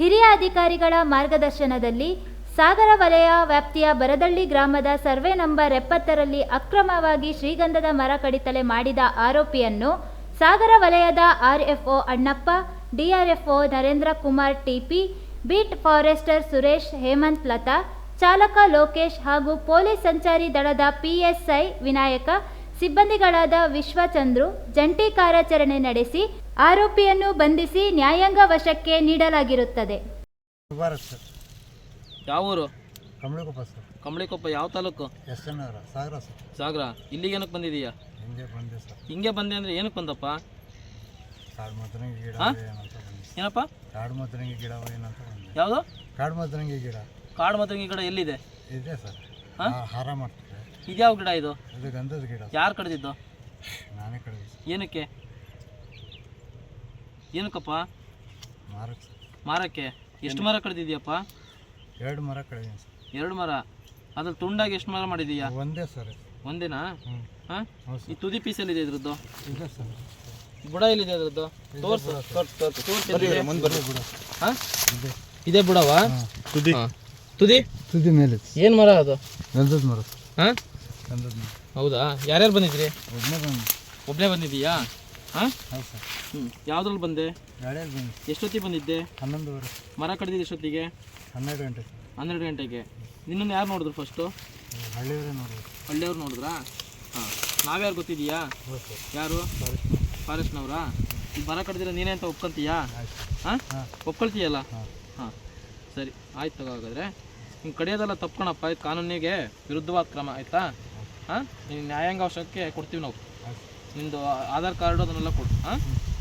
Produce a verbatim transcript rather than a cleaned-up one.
ಹಿರಿಯ ಅಧಿಕಾರಿಗಳ ಮಾರ್ಗದರ್ಶನದಲ್ಲಿ ಸಾಗರ ವಲಯ ವ್ಯಾಪ್ತಿಯ ಬರದಳ್ಳಿ ಗ್ರಾಮದ ಸರ್ವೆ ನಂಬರ್ ಎಪ್ಪತ್ತರಲ್ಲಿ ಅಕ್ರಮವಾಗಿ ಶ್ರೀಗಂಧದ ಮರ ಕಡಿತಲೆ ಮಾಡಿದ ಆರೋಪಿಯನ್ನು ಸಾಗರ ವಲಯದ RFO Annappa, DRFO Narendra Kumar TP, beat forester Suresh, Hemant, Lata, ಚಾಲಕ ಲೋಕೇಶ್ ಹಾಗೂ ಪೊಲೀಸ್ ಸಂಚಾರಿ ದಳದ ಪಿಎಸ್ಐ ವಿನಾಯಕ, ಸಿಬ್ಬಂದಿಗಳಾದ ವಿಶ್ವಚಂದ್ರು ಜಂಟಿ ಕಾರ್ಯಾಚರಣೆ ನಡೆಸಿ ಆರೋಪಿಯನ್ನು ಬಂಧಿಸಿ ನ್ಯಾಯಾಂಗ ವಶಕ್ಕೆ ನೀಡಲಾಗಿರುತ್ತದೆ. ಯಾವ ಊರು? ಕಂಬಳಿಕೊಪ್ಪ ಸರ್. ಕಂಬಳಿಕೊಪ್ಪ ಯಾವ ತಾಲೂಕು? S N Nagar, Sagar sir. Sagar. ಇಲ್ಲಿಗೆ ಏನಕ್ಕೆ ಬಂದಿದೀಯಾ? ಹಿಂಗೆ ಬಂದೆ ಸರ್. ಹಿಂಗೆ ಬಂದೆ ಅಂದರೆ ಏನಕ್ಕೆ ಬಂದಪ್ಪ? ಕಾಡು ಮದರಂಗಿ ಗಿಡ ಏನಂತ ಬಂದೆ. ಏನಪ್ಪ? ಕಾಡು ಮದರಂಗಿ ಗಿಡ ಏನಂತ ಬಂದೆ. ಯಾವುದು? ಕಾಡು ಮದರಂಗಿ ಗಿಡ. ಕಾಡು ಮದರಂಗಿ ಗಿಡ ಎಲ್ಲಿದೆ? ಇದೆ ಸರ್. ಹಾರ ಮಾಡ್ತಾರೆ. ಇದ್ಯಾವ ಗಿಡ ಇದು? ಇದು ಗಂಧದ ಗಿಡ. ಯಾರು ಕಡ್ದಿದ್ದು? ನಾನೇ ಕಡಿದೆ. ಏನಕ್ಕೆ? ಏನಕ್ಕಪ್ಪ? ಮಾರಕ್ಕೆ. ಮಾರಕ್ಕೆ? ಎಷ್ಟು ಮರ ಕಡ್ದಿದ್ಯಪ್ಪ? ಎರಡು ಮರ ಕಡಿದೀನಿ ಸರ್. ಎರಡು ಮರ? ಅದ್ರಲ್ಲಿ ತುಂಡಾಗಿ ಎಷ್ಟು ಮರ ಮಾಡಿದೀಯಾ? ಒಂದೇ ಸರ್. ಒಂದೇನಾ? ಹ್ಞೂ. ಹಾಂ, ಈ ತುದಿ ಪೀಸಲ್ಲಿದೆ ಇದ್ರದ್ದು? ಇದೆ ಸರ್. ಬುಡ ಎಲ್ಲಿದೆ ಅದ್ರದ್ದು? ತೋರ್ಸು ತೋರ್ಸು ತೋರ್ಸು ತೋರ್ಸಿ. ಬುಡ. ಹಾಂ, ಇದೆ. ಇದೇ ಬುಡವಾ? ತುದಿ. ತುದಿ ತುದಿ ಮೇಲೆ. ಏನು ಮರ ಅದು? ಗಂಧದ ಮರ. ಹಾಂ, ಗಂಧದ ಮರ. ಹೌದಾ? ಯಾರ್ಯಾರು ಬಂದಿದ್ರಿ? ಒಬ್ಬನೇ ಬಂದು. ಒಬ್ಬನೇ ಬಂದಿದ್ದೀಯಾ? ಹಾಂ, ಹೌದು ಸರ್. ಹ್ಞೂ. ಯಾವುದ್ರಲ್ಲಿ ಬಂದೆ? ಗಾಡಿಯಲ್ಲಿ ಬಂದು. ಎಷ್ಟೊತ್ತಿಗೆ ಬಂದಿದ್ದೆ? ಹನ್ನೊಂದುವರೆ. ಮರ ಕಡಿದಿದ್ದು ಎಷ್ಟೊತ್ತಿಗೆ? ಹನ್ನೆರಡು ಗಂಟೆ. ಹನ್ನೆರಡು ಗಂಟೆಗೆ. ನಿನ್ನನ್ನು ಯಾರು ನೋಡಿದ್ರು ಫಸ್ಟು? ಹಳ್ಳಿಯವರೇ ನೋಡಿದ್ರು. ಹಳ್ಳಿಯವ್ರು ನೋಡಿದ್ರಾ? ಹಾಂ. ನಾವ್ಯಾರು ಗೊತ್ತಿದೆಯಾ? ಹೌದು ಸರ್. ಯಾರು? ಫಾರೆಸ್ಟ್ನವರಾ? ಈಗ ಮರ ಕಡ್ದಿರ ನೀನೇ ಅಂತ ಒಪ್ಕೊಂತೀಯಾ? ಆಯ್ತು. ಹಾಂ, ಹಾಂ. ಒಪ್ಕೊಳ್ತೀಯಲ್ಲ? ಹಾಂ. ಹಾಂ, ಸರಿ ಆಯ್ತು. ತಗೋ ಹಾಗಾದರೆ ಹಿಂಗೆ ಕಡಿಯೋದೆಲ್ಲ ತಪ್ಕೊಳಪ್ಪ. ಇದು ಕಾನೂನಿಗೆ ವಿರುದ್ಧವಾದ ಕ್ರಮ, ಆಯಿತಾ? ಹಾಂ, ನೀನು ನ್ಯಾಯಾಂಗ ಅವಶ್ಯಕ್ಕೆ ಕೊಡ್ತೀವಿ ನಾವು. ನಿಮ್ಮದು ಆಧಾರ್ ಕಾರ್ಡು ಅದನ್ನೆಲ್ಲ ಕೊಡು. ಹಾಂ.